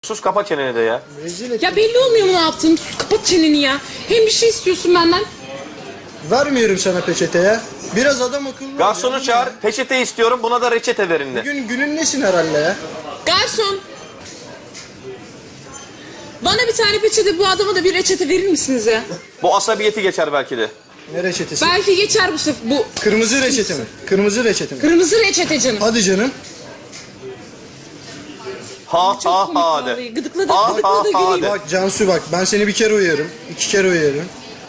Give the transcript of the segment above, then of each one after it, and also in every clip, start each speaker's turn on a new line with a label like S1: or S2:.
S1: Sus kapa çeneni de ya.
S2: Ya belli olmuyor mu ne yaptın? Sus, kapat çeneni ya. Hem bir şey istiyorsun benden.
S3: Vermiyorum sana peçete ya. Biraz adam akıllı ol
S1: Garsonu
S3: ya.
S1: çağır. Peçete istiyorum. Buna da reçete verin de.
S3: Bugün günün nesin herhalde ya?
S2: Garson. Bana bir tane peçete, bu adama da bir reçete verir misiniz ya?
S1: Bu asabiyeti geçer belki de.
S3: Ne reçetesi?
S2: Belki geçer bu sefer. Bu
S3: Kırmızı reçete mi? Kırmızı reçete mi?
S2: kırmızı reçete canım.
S3: Hadi canım.
S1: Ha
S2: Çok
S1: ha
S2: komik
S1: ha de.
S2: vallahi. Gıdıkladı,
S1: Ha,
S2: gıdıkladı,
S1: ha, ha
S2: güleyim.
S1: de.
S3: Bak Cansu bak, ben seni bir kere uyarım. 2 kere uyarım.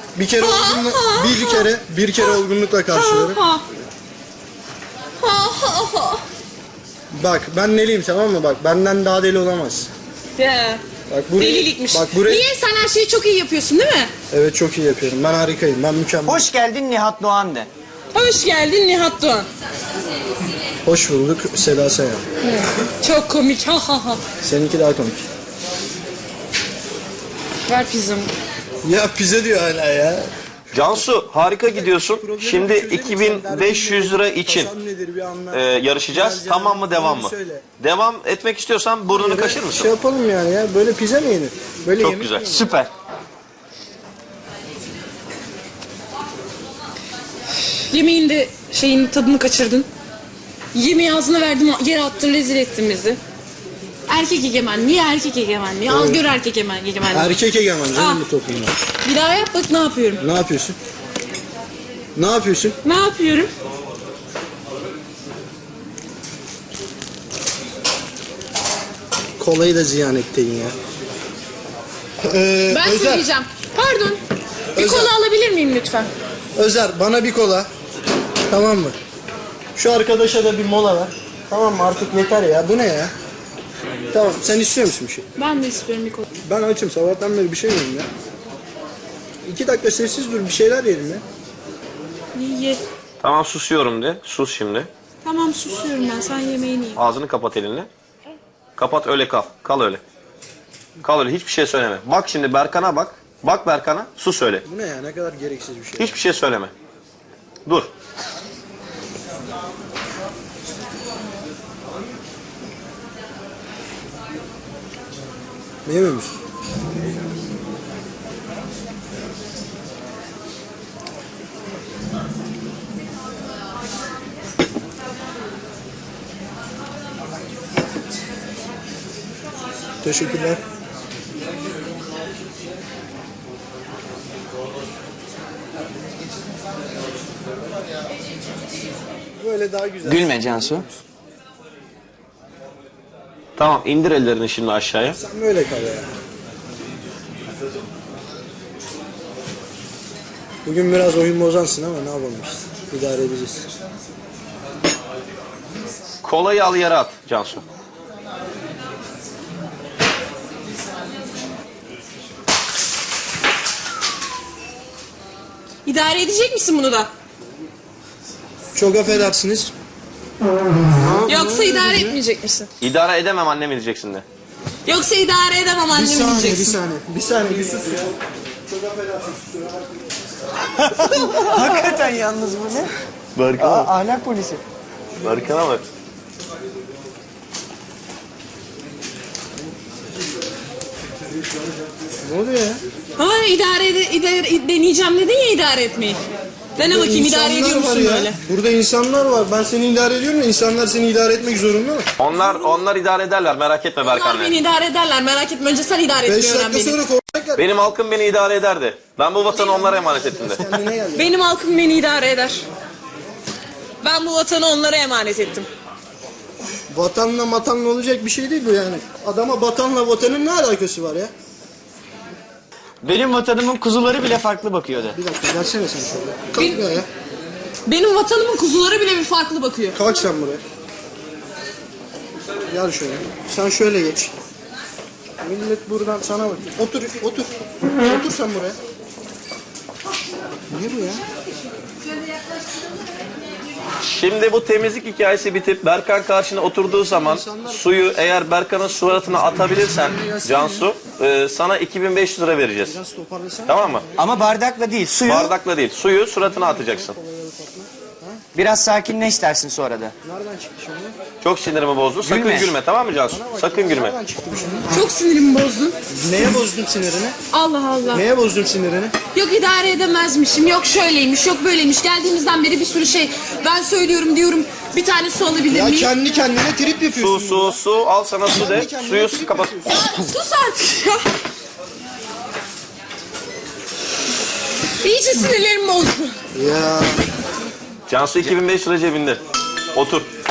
S3: Bir kere olgunlukla karşılıyorum.
S2: Ha ha. Ha ha.
S3: Bak ben neliyim, tamam mı? Bak benden daha deli olamaz.
S2: Ya.
S3: Bak buraya,
S2: Delilikmiş.
S3: Bak buraya.
S2: Niye? Sen her şeyi çok iyi yapıyorsun değil mi?
S3: Evet, çok iyi yapıyorum. Ben harikayım. Ben mükemmel.
S4: Hoş geldin Nihat Doğan de.
S2: Hoş geldin Nihat Doğan.
S3: Hoş bulduk Seda Sayan.
S2: Çok komik. Ha ha ha.
S3: Seninki daha komik.
S2: Ver pizzamı.
S3: Ya pizza diyor hala ya.
S1: Cansu harika gidiyorsun. Şimdi
S3: çözelim.
S1: 2500 lira için
S3: Kasam nedir bir anla.
S1: yarışacağız.
S3: Güzelce
S1: Tamam mı devam mı?
S3: söyle.
S1: Devam etmek istiyorsan burnunu kaşır
S3: Şey
S1: mısın?
S3: yapalım yani ya. Böyle pizza mı yenir? Böyle
S1: Çok
S3: yemek
S1: güzel.
S3: mi yenir?
S4: Süper.
S2: Yemeğin de şeyin tadını kaçırdın. Yemeği ağzına verdim, yere attın, rezil ettin bizi. Erkek egemenliği, erkek egemenliği. Al gör erkek egemenliği.
S3: Erkek egemen
S2: Ah.
S3: canım bu toplumda.
S2: Bir daha yap bak ne yapıyorum.
S3: Ne yapıyorsun? Ne yapıyorsun?
S2: Ne yapıyorum?
S3: Kolayı da ziyan ettin ya.
S2: Ben
S3: Özer,
S2: söyleyeceğim. Pardon. Bir
S3: Özel.
S2: kola alabilir miyim lütfen?
S3: Özer bana bir kola. Tamam mı? Şu arkadaşa da bir mola ver. Tamam mı? Artık yeter ya. Bu ne ya? Tamam, sen istiyor musun bir şey?
S2: Ben de istiyorum bir kola.
S3: Ben açım. Sabahtan beri bir şey yedim ya. 2 dakika sessiz dur. Bir şeyler yedim ya.
S2: Ye.
S1: Tamam susuyorum de. Sus şimdi.
S2: Tamam susuyorum ben. Sen yemeğini ye.
S1: Ağzını kapat elinle. Kapat öyle kal. Kal öyle. Kal öyle. Hiçbir şey söyleme. Bak şimdi Berkan'a bak. Bak Berkan'a. Sus öyle.
S3: Bu ne ya? Ne kadar gereksiz bir şey.
S1: Hiçbir şey söyleme. Dur.
S3: Yemiyor musun? Teşekkürler. Böyle daha güzel.
S4: Gülme Cansu.
S1: Tamam indir ellerini şimdi aşağıya.
S3: Sen böyle kal ya. Bugün biraz oyun bozansın ama ne yapalım işte. İdare edeceğiz.
S1: Kolayı al yere at Cansu.
S2: İdare edecek misin bunu da?
S3: Çok affedersiniz.
S2: Yoksa idare etmeyecek misin?
S1: İdare edemem annem diyeceksin de.
S2: Yoksa idare edemem
S3: Bir
S2: annem
S3: saniye, bir
S2: diyeceksin.
S3: saniye. Bir saniye, bir sus ya. Çok affedersiniz.
S4: Hakikaten yalnız bu ne?
S1: Berkan'a bak.
S4: Ahlak polisi.
S1: Berkan'a bak.
S3: Ne oluyor ya?
S2: Ha idare deneyeceğim dedin ya idare etmeyi. Dene bakayım idare ediyor
S3: İnsanlar var
S2: musun
S3: ya.
S2: böyle?
S3: Burada insanlar var. Ben seni idare ediyorum ya. İnsanlar seni idare etmek zorunda mı?
S1: Onlar idare ederler merak etme
S2: Onlar
S1: Berkan'la.
S2: beni idare ederler merak etme. Önce sen idare
S3: 5
S2: etmeyi öğren
S3: dakika
S2: beni.
S3: sonra kovacaklar.
S1: Benim halkım beni idare ederdi. Ben bu vatanı onlara emanet ettim de.
S3: Kendine gel.
S2: Benim halkım beni idare eder. Ben bu vatanı onlara emanet ettim.
S3: Vatanla matanla olacak bir şey değil bu yani. Adama vatanla vatanın ne alakası var ya?
S4: Benim vatanımın kuzuları bile farklı bakıyordu.
S3: Bir dakika gelsene sen şöyle.
S2: Bil-
S3: Kalk ya.
S2: Benim vatanımın kuzuları bile bir farklı bakıyor.
S3: Kalk sen buraya. Gel şöyle. Sen şöyle geç. Millet buradan sana bakıyor. Otur, otur. Otur sen buraya. Ne bu ya?
S1: Şimdi bu temizlik hikayesi bitip Berkan karşına oturduğu zaman suyu eğer Berkan'ın suratına atabilirsen Cansu sana 2500 lira vereceğiz.
S3: Biraz toparlasana.
S1: Tamam mı?
S4: Ama bardakla değil, suyu.
S1: Bardakla değil suyu suratına atacaksın.
S3: Ha?
S4: Biraz sakinleş dersin sonra da.
S3: Nereden çıktı şimdi?
S1: Çok sinirimi bozdu. Sakın
S4: Gülme.
S1: gülme, tamam mı Cansu? Sakın gülme.
S3: Nereden çıktı bu şimdi?
S2: Çok sinirimi bozdun.
S3: Neye bozdum sinirini?
S2: Allah Allah.
S3: Neye bozdum sinirini?
S2: Yok idare edemezmişim, yok şöyleymiş, yok böyleymiş. Geldiğimizden beri bir sürü şey. Ben söylüyorum diyorum, bir tane su alabilir
S3: Ya
S2: miyim?
S3: kendi kendine trip yapıyorsun.
S1: Su, al sana su de. Suyu kapat.
S2: Ya sus artık ya. İyice sinirlerim bozdu.
S3: Ya
S1: Cansu 2500 lira cebinde. Otur.